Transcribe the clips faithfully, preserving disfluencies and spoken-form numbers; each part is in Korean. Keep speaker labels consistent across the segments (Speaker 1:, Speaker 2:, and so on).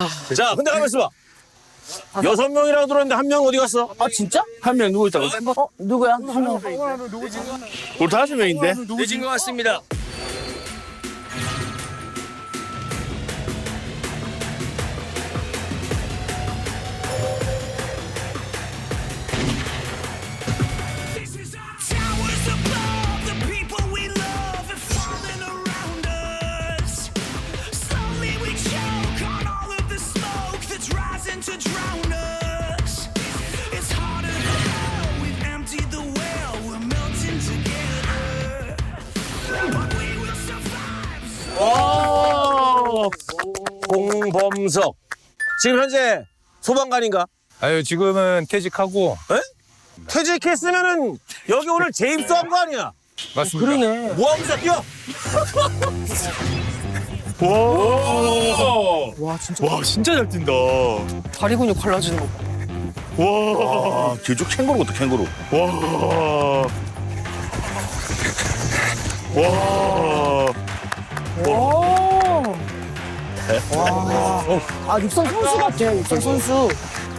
Speaker 1: 자, 근데 가만 있어봐. 여섯 명이라고 들었는데 한 명 어디 갔어?
Speaker 2: 아 진짜?
Speaker 3: 한 명 누구 있다고?
Speaker 2: 어 누구야? 한 명.
Speaker 3: 우리 다섯 명인데?
Speaker 4: 늦은 것 같습니다.
Speaker 5: Towers above, the people we love are falling around us. Slowly we choke on all of the smoke that's rising to drown us. It's harder than hell, we've emptied the well, we're melting together. But we will survive.
Speaker 1: 오! 공범석. 지금 현재 소방관인가?
Speaker 6: 아유, 지금은 퇴직하고.
Speaker 1: 에? 퇴직했으면은 여기 오늘 재입소한 거 아니야?
Speaker 6: 맞습니다.
Speaker 2: 그러네.
Speaker 1: 뭐하면서 뛰어?
Speaker 3: 와 진짜 와 진짜 잘 뛴다.
Speaker 2: 다리 근육 갈라지는 거.
Speaker 3: 와.
Speaker 1: 아, 길쭉 캥거루 같아, 캥거루.
Speaker 3: 와. 와.
Speaker 2: 오. 와. 아 육상 선수 같아. 육상 선수.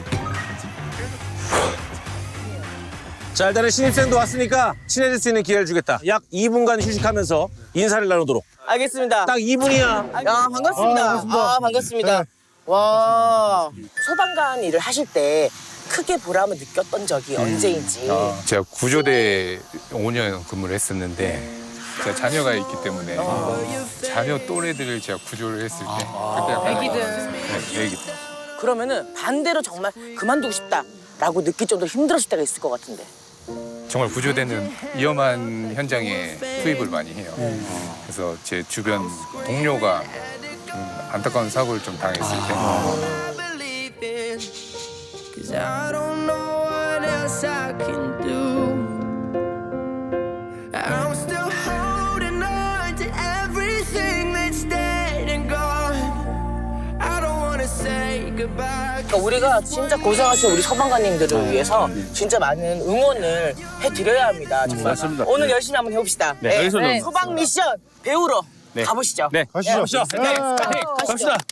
Speaker 1: 자, 일단은 신입생도 왔으니까 친해질 수 있는 기회를 주겠다. 약 이 분간 휴식하면서 인사를 나누도록.
Speaker 2: 알겠습니다.
Speaker 1: 딱 이 분이야.
Speaker 2: 야 반갑습니다. 아 반갑습니다. 와 소방관 일을 하실 때 크게 보람을 느꼈던 적이 언제인지.
Speaker 6: 제가 구조대 오 년 근무를 했었는데 제가 자녀가 있기 때문에 자녀 또래들을 제가 구조를 했을 때 그때 약간 애기들. 네, 애기들.
Speaker 2: 그러면은 반대로 정말 그만두고 싶다라고 느낄 정도로 힘들었을 때가 있을 것 같은데.
Speaker 6: 정말 구조대는 위험한 현장에 투입을 많이 해요. 그래서 제 주변 동료가 좀 안타까운 사고를 좀 당했을 때
Speaker 5: Believe it, 'cause I don't know what else I can do. I'm still holding on to everything that's dead and gone. I don't wanna say goodbye.
Speaker 2: 그러니까 우리가 진짜 고생하신 우리 소방관님들을 위해서 진짜 많은 응원을 해드려야 합니다. 정말.
Speaker 3: 맞습니다.
Speaker 2: 오늘 열심히 한번 해봅시다.
Speaker 3: 네, 여기서는
Speaker 2: 소방 미션 배우러 가보시죠.
Speaker 3: 네, 가시죠.
Speaker 2: 네, 가시죠.
Speaker 3: 갑시다.